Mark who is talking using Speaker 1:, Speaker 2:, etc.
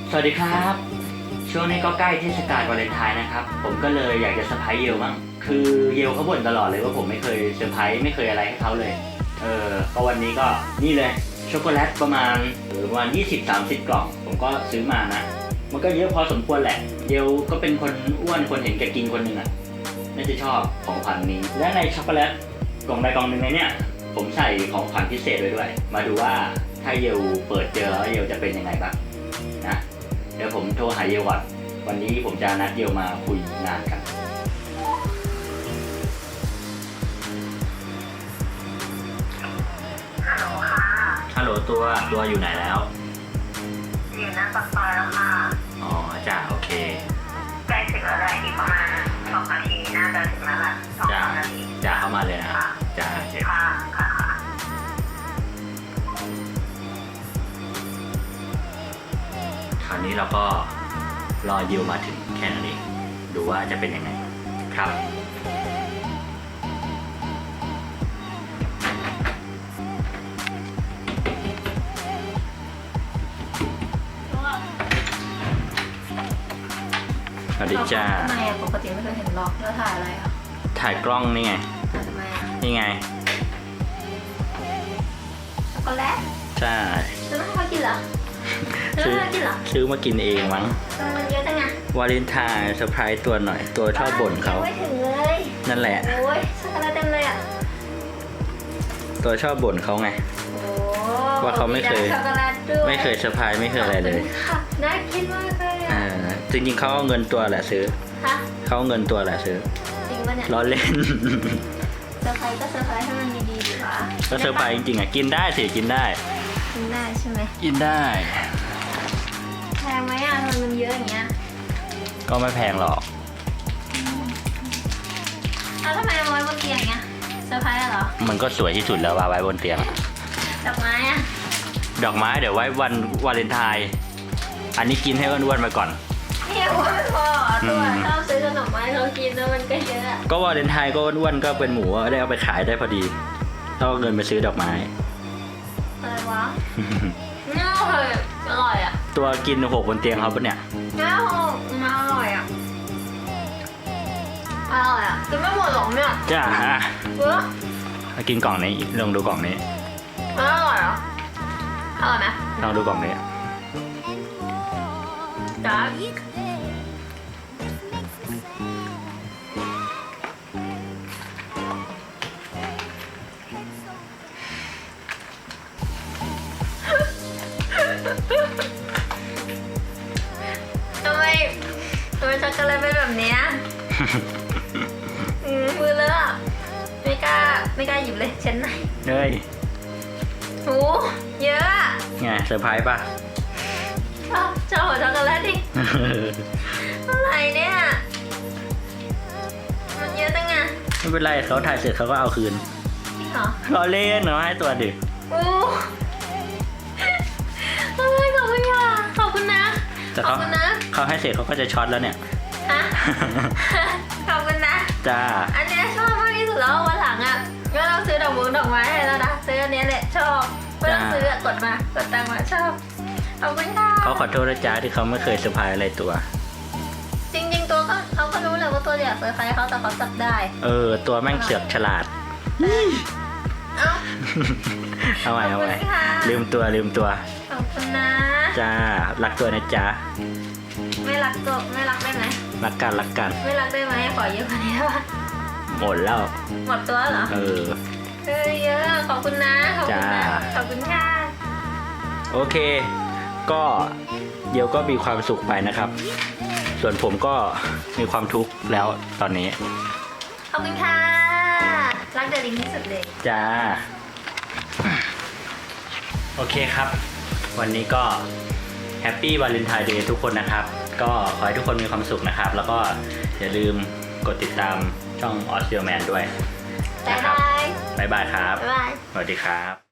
Speaker 1: สวัสดีครับช่วงนี้ก็ใกล้เทศกาลวาเลนไทน์นะครับผมก็เลยอยากจะเซอร์ไพรส์เยลบ้างคือเยลเขาบ่นตลอดเลยว่าผมไม่เคยเซอร์ไพรส์ไม่เคยอะไรให้เขาเลยก็วันนี้ก็นี่เลยช็อกโกแลตประมาณ20-30 กล่องผมก็ซื้อมานะมันก็เยอะพอสมควรแหละเยลก็เป็นคนอ้วนคนเห็นแก่กินคนหนึ่งอ่ะน่าจะชอบของขวัญนี้และในช็อกโกแลตกล่องใดกล่องหนึ่งในเนี่ยผมใส่ของขวัญพิเศษไว้ด้วยมาดูว่าถ้าเยลเปิดเจอแล้วเยลจะเป็นยังไงบ้างนะเดี๋ยวผมโทรหาเยลก่อนวันนี้ผมจะนัดเยลมาคุยงานกันฮัลโหลตัวอยู่ไหนแล้ว
Speaker 2: อยู่หน้าปากซอยแล้วค่ะ
Speaker 1: อ๋อจ้าโอเค
Speaker 2: ใกล้ถึงแล้วแหละอีกประมาณ2 นาทีน่าจะถึงแล้วล่ะ2-3 นาที
Speaker 1: จ้าเข้ามาเลยนะจ้า
Speaker 2: ค่ะ
Speaker 1: คราวนี้เราก็รอยิวมาถึงแค่นั้นเองดูว่าจะเป็นยังไงครับสวัสดีจ้า
Speaker 2: ทำไมปกติไม่เคยเห็นล็อกแล้วถ่ายอะไรอ่ะ
Speaker 1: ถ่ายกล้องนี่ไง
Speaker 2: ทำไมอ่ะ
Speaker 1: นี่ไง
Speaker 2: ช็อกโกแลต
Speaker 1: ใช่
Speaker 2: ซื้อมาให้เขากินเหรอ
Speaker 1: ซื้อมากินเองมั้ง
Speaker 2: มันเยอะจังไง
Speaker 1: วาเลนไทน์เซอร์ไพรส์ตัวหน่อยตัวชอบบ่นเขา
Speaker 2: ไม่ถึงเลย
Speaker 1: นั่นแหละ
Speaker 2: โอ้ยช็อกโกแลตเต็มเลยอ่ะ
Speaker 1: ตัวชอบบ่นเขาไงว่าเขาไม่เคยเซอร์ไพรส์ไม่เคยอะไรเลย
Speaker 2: น่ากินมากเลยอ่ะ
Speaker 1: จริงๆเขาเอาเงินตัวแหละซื้อเขาเอาเงินตัวแหละซื้อ
Speaker 2: จริงป่ะเนี่ย
Speaker 1: ล้อเล่น
Speaker 2: เซอร์ไพรส์ก็เซอร์ไพรส์ให้มันดีๆดีกว่า
Speaker 1: ก็เซอร์ไพรส์จริงๆอ่ะกินได้สิกินได้
Speaker 2: ใช่ไหม
Speaker 1: กินได้
Speaker 2: แพงไหมอ่ะมันเยอะอย่างเงี้ย
Speaker 1: ก็ไม่แพงหรอก
Speaker 2: ทำไมเอาไว้บนเตียงเงี้ยเซอร์ไพรส์เหรอ
Speaker 1: มันก็สวยที่สุดแล้วว่าไว้บนเตียง
Speaker 2: ดอกไม้อ่ะ
Speaker 1: ดอกไม้เดี๋ยวไว้วันวาเลนไทน์อันนี้กินให้อ้วนๆไปก่อน
Speaker 2: เนี่ยอ้วนพอตัวชอบซื้อขนมไม้เขากินแล้วมันก็เยอะ
Speaker 1: ก็วาเลนไทน์ก็อ้วนๆก็เป็นหมูได้เอาไปขายได้พอดีต้องเอาเงินไปซื้อดอกไม้
Speaker 2: อะไรวะน่าอร่อยอ่ะ
Speaker 1: ตัวกิน6บนเตียงเขาปะเนี่ย
Speaker 2: น่าอร่อยอ่ะกินไม่หมดหรอกเนี่ย
Speaker 1: จ้ามากินกล่องนี้ลองดูกล่องนี้
Speaker 2: อร่อยเหรออร่อยไหม
Speaker 1: ลองดูกล่องนี้
Speaker 2: จ้าทำไมช็อกโกแลตเป็นแบบนี้มือเลอะไม่กล้าหยิบเลยเช็ดหน่อย
Speaker 1: เฮ้ย
Speaker 2: โหเยอะ
Speaker 1: ไงเซอร์ไพรส์ป่ะ
Speaker 2: ชอบช็อกโกแลตดิอะไรเนี่ยมันเยอะจังไง
Speaker 1: ไม่เป็นไรเขาถ่ายเสร็จเขาก็เอาคืน
Speaker 2: จริงเหรอ
Speaker 1: เราเล่นเนาะให้ตัวดิ
Speaker 2: โอ้ขอบคุณค่ะขอบคุณนะ
Speaker 1: แต่เขาให้เสร็จเขาก็จะช็อตแล้วเนี่ย
Speaker 2: ขอบคุณนะ
Speaker 1: จ้า
Speaker 2: อันนี้ชอบมากที่สุดแล้ววันหลังอ่ะก็ต้องซื้อดอกไม้ให้แล้วนะซื้ออันนี้แหละชอบไม่ต้องซื้อกดตังมาชอบขอบคุณค่ะ
Speaker 1: เขาขอโทษนะจ๊ะที่เขาไม่เคยเซอร์ไพรส์อะไรตัว
Speaker 2: จริงๆตัวเขาก็รู้เลยว่าตัวอยากเซอร์ไพรส์เขาแต่เขาจับได้
Speaker 1: ตัวแม่งเสือกฉลาดเอาใหม่ลืมตัว
Speaker 2: ขอบคุณนะ
Speaker 1: จ้ารักตัวนะจ๊ะ
Speaker 2: ไม่รักได้ไหม
Speaker 1: รักกัน
Speaker 2: ไม่รักได้ไหมขอเยอะกว่านี้ได้ปะ
Speaker 1: หมดแล้ว
Speaker 2: หมดตัวเหรอเยอะขอบคุณนะขอบคุณค่ะ
Speaker 1: โอเคก็เดี๋ยวก็มีความสุขไปนะครับส่วนผมก็มีความทุกข์แล้วตอนนี้
Speaker 2: ขอบคุณค่ะรักเดลิงที่สุดเลย
Speaker 1: จ้าโอเคครับวันนี้ก็แฮปปี้วาเลนไทน์เดย์ทุกคนนะครับก็ขอให้ทุกคนมีความสุขนะครับแล้วก็อย่าลืมกดติดตามช่องออสเตรเลียแมนด้วย
Speaker 2: บ๊ายบาย
Speaker 1: ครับ
Speaker 2: บ๊ายบาย
Speaker 1: สวัสดีครับ